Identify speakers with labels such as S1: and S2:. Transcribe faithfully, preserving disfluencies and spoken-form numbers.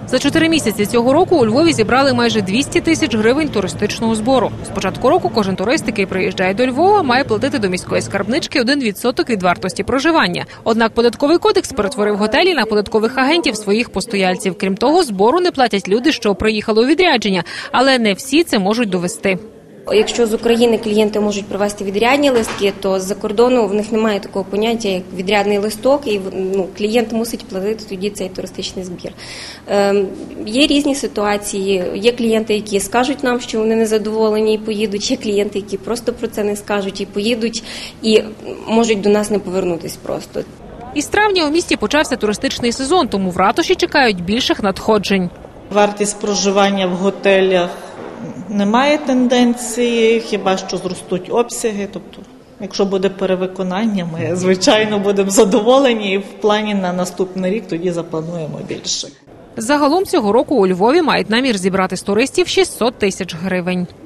S1: За чотири місяці цього року у Львові зібрали майже двісті тисяч гривень туристичного збору. З початку року кожен турист, який приїжджає до Львова, має платити до міської скарбнички один відсоток від вартості проживання. Однак податковий кодекс перетворив готелі на податкових агентів своїх постояльців. Крім того, збору не платять люди, що приїхали у відрядження, але не всі це можуть довести.
S2: Якщо з України клієнти можуть привезти відрядні листки, то з-за кордону в них немає такого поняття, як відрядний листок, і ну, клієнт мусить платити тоді цей туристичний збір. Е, є різні ситуації. Є клієнти, які скажуть нам, що вони незадоволені і поїдуть, є клієнти, які просто про це не скажуть і поїдуть, і можуть до нас не повернутися просто.
S1: Із травня у місті почався туристичний сезон, тому в ратуші чекають більших надходжень.
S3: Вартість проживання в готелях немає тенденції, хіба що зростуть обсяги. Тобто, якщо буде перевиконання, ми, звичайно, будемо задоволені і в плані на наступний рік тоді заплануємо більше.
S1: Загалом цього року у Львові мають намір зібрати з туристів шістсот тисяч гривень.